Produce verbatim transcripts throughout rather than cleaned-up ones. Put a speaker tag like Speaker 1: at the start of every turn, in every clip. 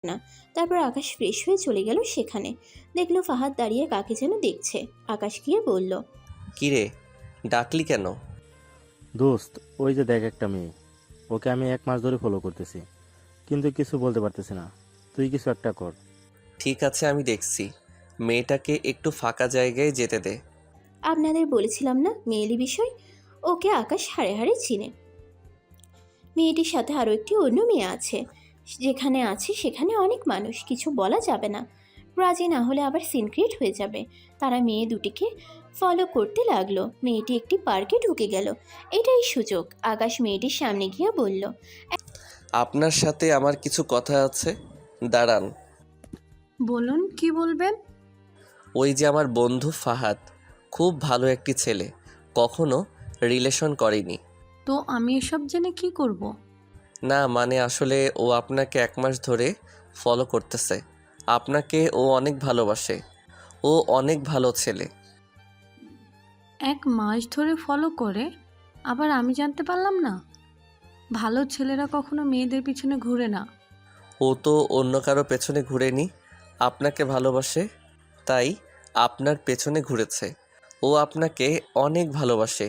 Speaker 1: না। তারপর আকাশ ফ্রেশ হয়ে চলে গেল সেখানে। দেখলো ফাহাদ দাঁড়িয়ে কাকে যেন দেখছে। আকাশ গিয়ে বলল,
Speaker 2: কিরে, ডাকলি কেন?
Speaker 3: দোস্ত, ওই যে দেখ একটা মেয়ে, ওকে আমি এক মাস ধরে ফলো করতেছি, কিন্তু কিছু বলতে পারতেছি না। তুই কিছু একটা কর।
Speaker 2: ঠিক আছে, আমি দেখছি। মেয়েটাকে একটু ফাঁকা জায়গায় যেতে দে।
Speaker 1: আপনাদের বলেছিলাম না মেয়েলি বিষয়। ওকে আকাশ হাড়ে হাড়ে চিনে। মেয়েটির সাথে আরও একটি অন্য মেয়ে আছে। যেখানে আছে সেখানে অনেক মানুষ, কিছু বলা যাবে না। রাজি না হলে আবার সিনক্রেট হয়ে যাবে। তারা মেয়ে দুটিকে ফলো করতে লাগলো। মেয়েটি একটি পার্কে ঢুকে গেল। এটাই সুযোগ। আকাশ মেয়েটির সামনে গিয়ে বলল,
Speaker 2: আপনার সাথে আমার কিছু কথা আছে, দাঁড়ান।
Speaker 4: বলুন, কি বলবেন?
Speaker 2: ওই যে আমার বন্ধু ফাহাদ, খুব ভালো একটি ছেলে, কখনো রিলেশন করেনি।
Speaker 4: তো আমি এসব জেনে কি করব?
Speaker 2: না মানে আসলে ও আপনাকে এক মাস ধরে ফলো করতেছে। আপনাকে ও অনেক ভালোবাসে। ও অনেক ভালো ছেলে।
Speaker 4: এক মাস ধরে ফলো করে, আবার আমি জানতে পারলাম না? ভালো ছেলেরা কখনো মেয়েদের পিছনে ঘুরে না।
Speaker 2: ও তো অন্য কারো পেছনে ঘুরেনি, আপনাকে ভালোবাসে, তাই আপনার পেছনে ঘুরেছে। ও আপনাকে অনেক ভালোবাসে।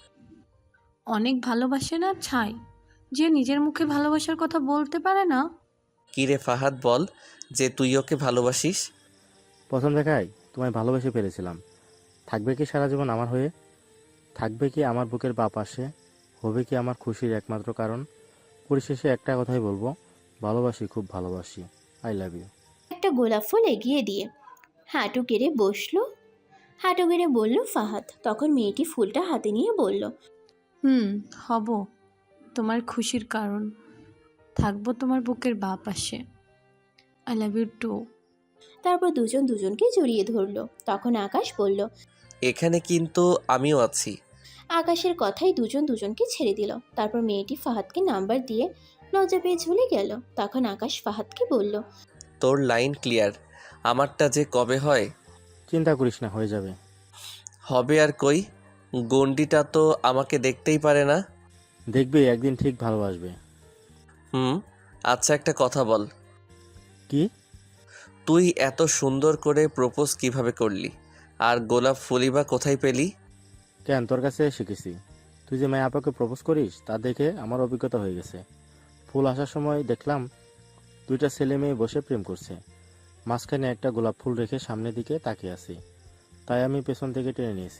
Speaker 4: অনেক ভালোবাসে না ছাই, যে নিজের মুখে ভালোবাসার কথা বলতে পারে না।
Speaker 2: কিরে ফাহাদ, বল যে তুই ওকে ভালোবাসিস।
Speaker 3: প্রথম দেখায় তোমায় ভালোবেসে ফেলেছিলাম। থাকবে কি সারা জীবন আমার হয়ে? থাকবে কি আমার বুকের বাঁ পাশে? হবে কি আমার খুশির একমাত্র কারণ? পরিশেষে একটা কথাই বলবো, ভালোবাসি, খুব ভালোবাসি। I love you.
Speaker 1: একটা গোলাপ ফুল এগিয়ে দিয়ে হাঁটু গেড়ে বসলো। হাঁটু গেড়ে বলল ফাহাদ। তখন মেয়েটি ফুলটা হাতে নিয়ে বলল,
Speaker 4: হুম, হব তোমার খুশির কারণ। থাকবো তোমার বুকের বাঁ পাশে। I love you too.
Speaker 1: তারপর দুজন দুজনকে জড়িয়ে ধরলো। তখন আকাশ বলল,
Speaker 2: এখানে কিন্তু আমিও আছি।
Speaker 1: আকাশের কথাই দুজন দুজনকে ছেড়ে দিল। তারপর মেয়েটি ফাহাদকে নাম্বার দিয়ে লজ্জা পেয়ে চলে গেল। তখন আকাশ ফাহাদকে বলল,
Speaker 2: তোর লাইন ক্লিয়ার, আমারটা যে কবে হয়।
Speaker 3: চিন্তা করিস না, হয়ে যাবে।
Speaker 2: হবে আর কই, গন্ডিটা তো আমাকে দেখতেই পারে না।
Speaker 3: দেখবি একদিন ঠিক ভালোবাসবে।
Speaker 2: হুম, আচ্ছা একটা কথা বল,
Speaker 3: কি?
Speaker 2: তুই এত সুন্দর করে প্রপোজ কিভাবে করলি? আর গোলাপ ফুলই বা কোথায় পেলি?
Speaker 3: কেন, তোর কাছে শিখেছি। তুই যে মায়া আপাকে প্রপোজ করিস তা দেখে আমার অভিজ্ঞতা হয়ে গেছে। ফুল আসার সময় দেখলাম দুইটা ছেলে মেয়ে বসে প্রেম করছে। মাঝখানে একটা গোলাপ ফুল রেখে সামনের দিকে তাকিয়ে আছি, তাই আমি পেছন থেকে টেনে নিয়েছি।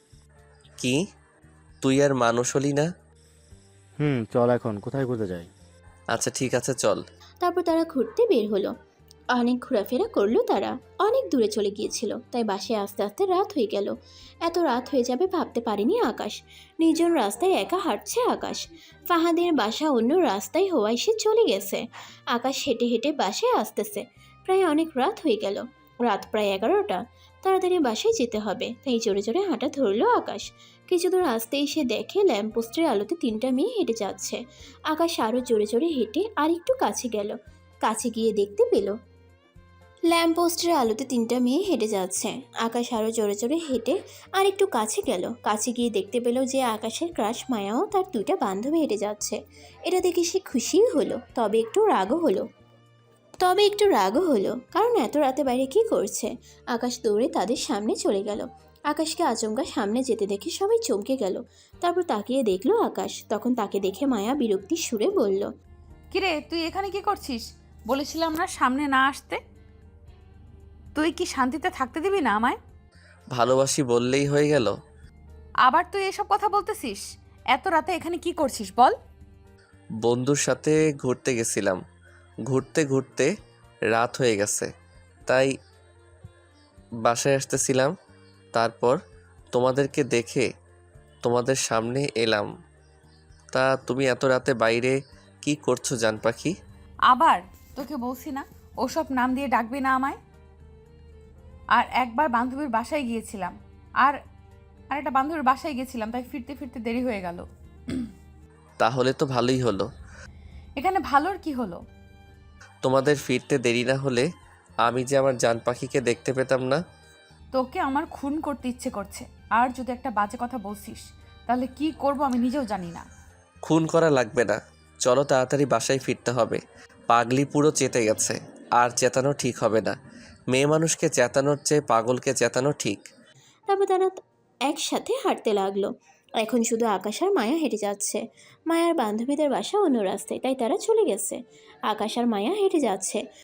Speaker 2: কি, তুই আর মানুষ হলি না?
Speaker 3: হুম, চল এখন কোথায় ঘুরতে যাই?
Speaker 2: আচ্ছা ঠিক আছে, চল।
Speaker 1: তারপর তারা ঘুরতে বের হলো। অনেক ঘোরাফেরা করলো তারা। অনেক দূরে চলে গিয়েছিল, তাই বাসায় আস্তে আস্তে রাত হয়ে গেল। এত রাত হয়ে যাবে ভাবতে পারেনি আকাশ। নির্জন রাস্তায় একা হাঁটছে আকাশ। ফাহাদের বাসা অন্য রাস্তায় হওয়ায় সে চলে গেছে। আকাশ হেঁটে হেঁটে বাসায় আসতেছে। প্রায় অনেক রাত হয়ে গেল। রাত প্রায় এগারোটা। তাড়াতাড়ি বাসায় যেতে হবে, তাই জোরে জোরে হাঁটা ধরলো আকাশ। কিছু দূর আসতেই সে দেখে ল্যাম্পপোস্টের আলোতে তিনটা মেয়ে হেঁটে যাচ্ছে। আকাশ আরও জোরে জোরে হেঁটে আর একটু কাছে গেল। কাছে গিয়ে দেখতে পেল ল্যাম্পপোস্টের আলোতে তিনটা মেয়ে হেঁটে যাচ্ছে। আকাশ আরও জোরে জোরে হেঁটে আর একটু কাছে গেল। কাছে গিয়ে দেখতে পেল যে আকাশের ক্রাশ মায়াও তার দুইটা বান্ধবী হেঁটে যাচ্ছে। এটা দেখে সে খুশিই হলো, তবে একটু রাগও হলো। তবে একটু রাগও হলো কারণ এত রাতে বাইরে কি করছে। আকাশ দৌড়ে তাদের সামনে চলে গেল। আকাশকে আচমকা সামনে যেতে দেখে সবাই চমকে গেল। তারপর তাকিয়ে দেখলো আকাশ। তখন তাকে দেখে মায়া বিরক্তির সুরে বলল,
Speaker 5: কিরে, তুই এখানে কি করছিস? বলেছিলাম না সামনে না আসতে। তুই কি শান্তিতে থাকতে দিবি না আমায়?
Speaker 2: ভালোবাসি বললেই হয়ে গেল?
Speaker 5: আবার তুই এসব কথা বলতেছিস? এত রাতে এখানে কি করছিস বল?
Speaker 2: বন্ধুর সাথে ঘুরতে গেছিলাম, ঘুরতে ঘুরতে রাত হয়ে গেছে, তাই বাসায় আসতেছিলাম। তারপর তোমাদেরকে দেখে তোমাদের সামনে এলাম। তা তুমি এত রাতে বাইরে কি করছো জান পাখি?
Speaker 5: আবার তোকে বলছি না ওসব নাম দিয়ে ডাকবি না আমায়। আর একবার বান্ধবীর বাসায় গিয়েছিলাম, আর আর একটা বান্ধবীর বাসায় গেছিলাম, তাই ফিরতে ফিরতে দেরি হয়ে গেল।
Speaker 2: তাহলে তো ভালোই হলো।
Speaker 5: এখানে ভালোর কি হলো?
Speaker 2: তোমাদের ফিরতে দেরি না হলে আমি যে আমার জান পাখিকে দেখতে পেতাম না।
Speaker 5: তোকে আমার খুন করতে ইচ্ছে করছে, আর যদি একটা বাজে কথা বলছিস তাহলে কি করব আমি নিজেও জানি না।
Speaker 2: খুন করা লাগবে না, চলো তাড়াতাড়ি বাসায় ফিরতে হবে। পাগলি পুরো চেতে গেছে। আর চেতানো ঠিক হবে না। মেয়ে মানুষকে চেতানোর চেয়ে পাগলকে চেতানো ঠিক।
Speaker 1: তারপর তারা একসাথে হাঁটতে লাগলো। এখন শুধু আকাশ আর মায়া হেঁটে যাচ্ছে। মায়ার বান্ধবীদের বাসা অন্য রাস্তায়, তাই তারা চলে গেছে। আকাশ আর মায়া হেঁটে যাচ্ছে।